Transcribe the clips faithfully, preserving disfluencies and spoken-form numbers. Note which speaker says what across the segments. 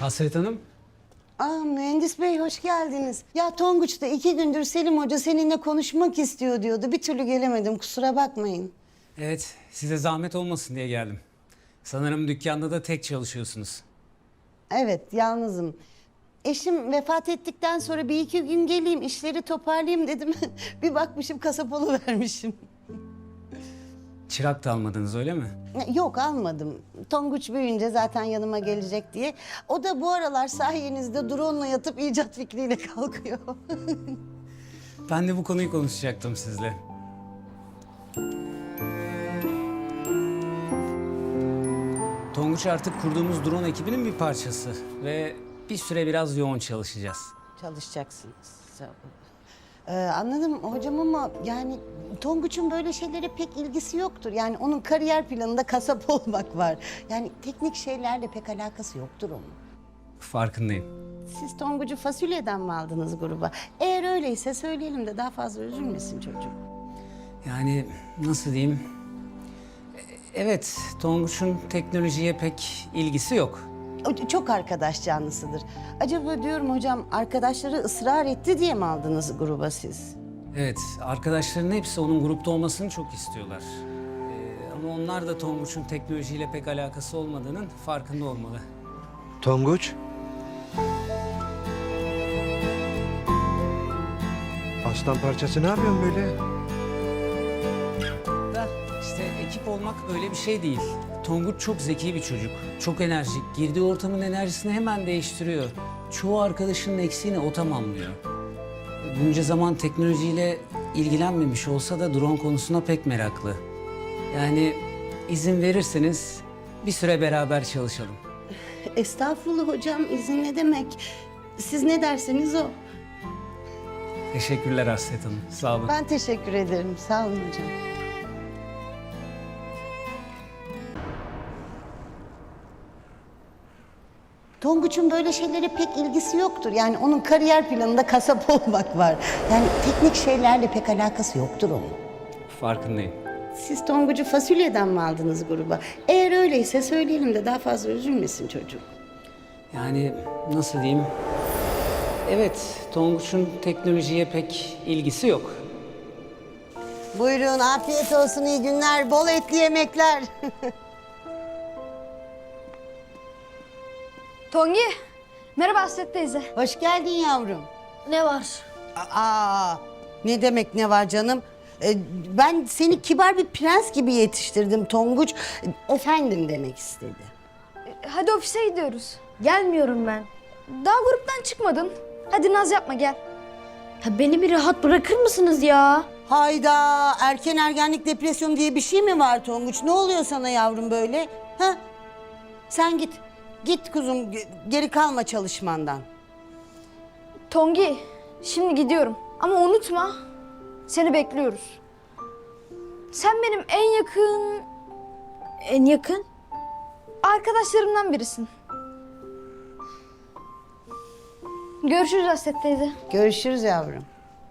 Speaker 1: Hasret Hanım.
Speaker 2: Aa, mühendis bey hoş geldiniz. Ya Tonguç da iki gündür Selim Hoca seninle konuşmak istiyor diyordu. Bir türlü gelemedim, kusura bakmayın.
Speaker 1: Evet, size zahmet olmasın diye geldim. Sanırım dükkanda da tek çalışıyorsunuz.
Speaker 2: Evet, yalnızım. Eşim vefat ettikten sonra bir iki gün geleyim, işleri toparlayayım dedim. Bir bakmışım kasap oluvermişim.
Speaker 1: Çırak da almadınız öyle mi?
Speaker 2: Yok, almadım. Tonguç büyüyünce zaten yanıma gelecek diye. O da bu aralar sayenizde drone'la yatıp icat fikriyle kalkıyor.
Speaker 1: Ben de bu konuyu konuşacaktım sizle. Tonguç artık kurduğumuz drone ekibinin bir parçası. Ve bir süre biraz yoğun çalışacağız.
Speaker 2: Çalışacaksınız. Sağ olun. Ee, anladım hocam ama yani Tonguç'un böyle şeylere pek ilgisi yoktur. Yani onun kariyer planında kasap olmak var. Yani teknik şeylerle pek alakası yoktur onun.
Speaker 1: Farkındayım.
Speaker 2: Siz Tonguç'u fasulyeden mi aldınız gruba? Eğer öyleyse söyleyelim de daha fazla üzülmesin çocuk.
Speaker 1: Yani nasıl diyeyim? E- Evet, Tonguç'un teknolojiye pek ilgisi yok.
Speaker 2: O çok arkadaş canlısıdır. Acaba diyorum hocam arkadaşları ısrar etti diye mi aldınız gruba siz?
Speaker 1: Evet, arkadaşların hepsi onun grupta olmasını çok istiyorlar. Ee, ama onlar da Tonguç'un teknolojiyle pek alakası olmadığının farkında olmalı.
Speaker 3: Tonguç. Aslan parçası ne yapıyorsun böyle?
Speaker 1: Da işte ekip olmak öyle bir şey değil. Tonguç çok zeki bir çocuk, çok enerjik. Girdiği ortamın enerjisini hemen değiştiriyor. Çoğu arkadaşının eksiğini o tamamlıyor. Bunca zaman teknolojiyle ilgilenmemiş olsa da drone konusuna pek meraklı. Yani izin verirseniz bir süre beraber çalışalım.
Speaker 2: Estağfurullah hocam, izin ne demek? Siz ne derseniz o.
Speaker 1: Teşekkürler Hasret Hanım, sağ olun.
Speaker 2: Ben teşekkür ederim. Sağ olun hocam. Tonguç'un böyle şeylere pek ilgisi yoktur. Yani onun kariyer planında kasap olmak var. Yani teknik şeylerle pek alakası yoktur onun.
Speaker 1: Farkındayım.
Speaker 2: Siz Tonguç'u fasulyeden mi aldınız gruba? Eğer öyleyse söyleyelim de daha fazla üzülmesin çocuk.
Speaker 1: Yani nasıl diyeyim? Evet, Tonguç'un teknolojiye pek ilgisi yok.
Speaker 2: Buyurun, afiyet olsun, iyi günler, bol etli yemekler.
Speaker 4: Tongi, merhaba Hasret teyze.
Speaker 2: Hoş geldin yavrum.
Speaker 4: Ne var?
Speaker 2: Aa, ne demek ne var canım? Ee, ben seni kibar bir prens gibi yetiştirdim Tonguç. Efendim demek istedi.
Speaker 4: Hadi ofise gidiyoruz. Gelmiyorum ben. Daha gruptan çıkmadın. Hadi naz yapma gel.
Speaker 5: Ya beni bir rahat bırakır mısınız ya?
Speaker 2: Hayda, erken ergenlik depresyon diye bir şey mi var Tonguç? Ne oluyor sana yavrum böyle? Ha? Sen git. Git kuzum, ge- geri kalma çalışmandan.
Speaker 4: Tongi, şimdi gidiyorum. Ama unutma, seni bekliyoruz. Sen benim en yakın
Speaker 5: En yakın?
Speaker 4: arkadaşlarımdan birisin. Görüşürüz Hasret teyze.
Speaker 2: Görüşürüz yavrum.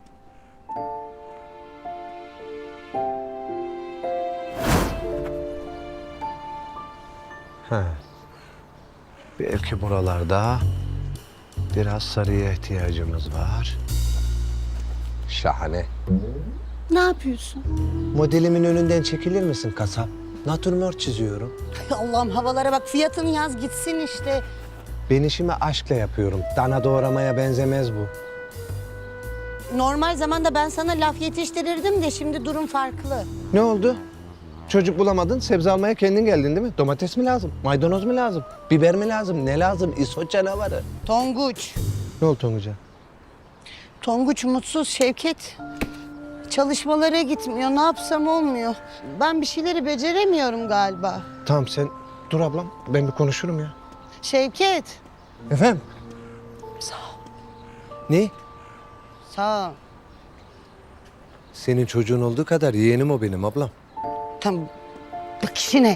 Speaker 3: Ha. Belki buralarda biraz sarıya ihtiyacımız var. Şahane.
Speaker 2: Ne yapıyorsun?
Speaker 3: Modelimin önünden çekilir misin kasap? Natürmort çiziyorum.
Speaker 2: Ay Allah'ım, havalara bak, fiyatını yaz gitsin işte.
Speaker 3: Ben işimi aşkla yapıyorum. Dana doğramaya benzemez bu.
Speaker 2: Normal zamanda ben sana laf yetiştirirdim de şimdi durum farklı.
Speaker 3: Ne oldu? Çocuk bulamadın, sebze almaya kendin geldin değil mi? Domates mi lazım? Maydanoz mu lazım? Biber mi lazım? Ne lazım? İsot canavarı.
Speaker 2: Tonguç.
Speaker 3: Ne oldu Tonguç'a?
Speaker 2: Tonguç mutsuz Şevket. Çalışmalara gitmiyor. Ne yapsam olmuyor. Ben bir şeyleri beceremiyorum galiba.
Speaker 3: Tamam sen dur ablam. Ben bir konuşurum ya.
Speaker 2: Şevket.
Speaker 3: Efendim?
Speaker 2: Sağ ol.
Speaker 3: Ne?
Speaker 2: Sağ ol.
Speaker 3: Senin çocuğun olduğu kadar yeğenim o benim ablam.
Speaker 2: Tamam. Bak işine.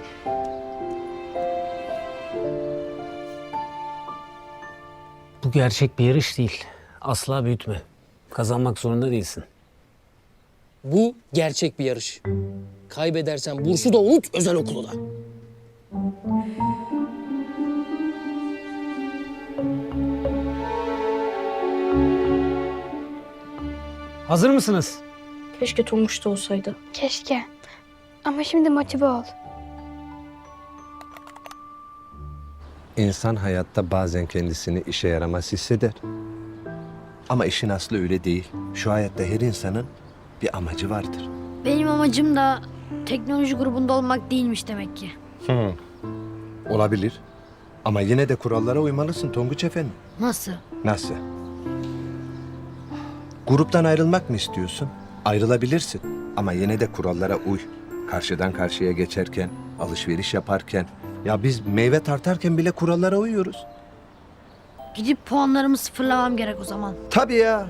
Speaker 1: Bu gerçek bir yarış değil. Asla büyütme. Kazanmak zorunda değilsin.
Speaker 6: Bu gerçek bir yarış. Kaybedersen bursu da unut, özel okulu da.
Speaker 1: Hazır mısınız?
Speaker 5: Keşke Tonguç da olsaydı.
Speaker 4: Keşke. Ama şimdi motive ol.
Speaker 3: İnsan hayatta bazen kendisini işe yaramaz hisseder. Ama işin aslı öyle değil. Şu hayatta her insanın bir amacı vardır.
Speaker 5: Benim amacım da teknoloji grubunda olmak değilmiş demek ki.
Speaker 3: Olabilir. Ama yine de kurallara uymalısın Tonguç Efendi.
Speaker 5: Nasıl?
Speaker 3: Nasıl? Gruptan ayrılmak mı istiyorsun? Ayrılabilirsin. Ama yine de kurallara uy. Karşıdan karşıya geçerken, alışveriş yaparken... Ya biz meyve tartarken bile kurallara uyuyoruz.
Speaker 5: Gidip puanlarımı sıfırlamam gerek o zaman.
Speaker 3: Tabii ya.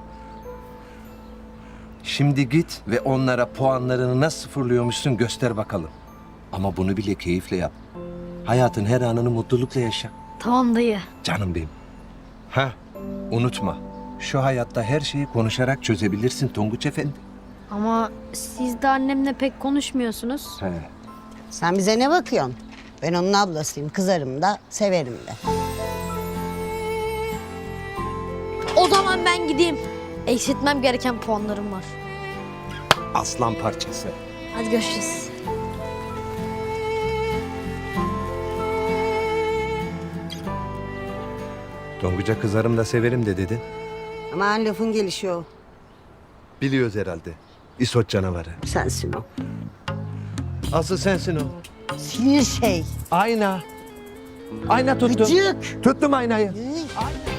Speaker 3: Şimdi git ve onlara puanlarını nasıl sıfırlıyormuşsun göster bakalım. Ama bunu bile keyifle yap. Hayatın her anını mutlulukla yaşa.
Speaker 5: Tamam dayı.
Speaker 3: Canım benim. Ha, unutma. Şu hayatta her şeyi konuşarak çözebilirsin Tonguç Efendi.
Speaker 5: Ama siz de annemle pek konuşmuyorsunuz.
Speaker 3: He.
Speaker 2: Sen bize ne bakıyorsun? Ben onun ablasıyım, kızarım da, severim de.
Speaker 5: O zaman ben gideyim. Eksiltmem gereken puanlarım var.
Speaker 3: Aslan parçası.
Speaker 5: Hadi görüşürüz.
Speaker 3: Tonguç'a kızarım da severim de dedin.
Speaker 2: Aman lafın gelişi o.
Speaker 3: Biliyoruz herhalde. İsot canavarı.
Speaker 2: Sensin o.
Speaker 3: Asıl sensin o.
Speaker 2: Sinir şey.
Speaker 3: Ayna. Ayna tuttum.
Speaker 2: Gıcık.
Speaker 3: Tuttum aynayı.
Speaker 2: Üy.
Speaker 3: Ayna.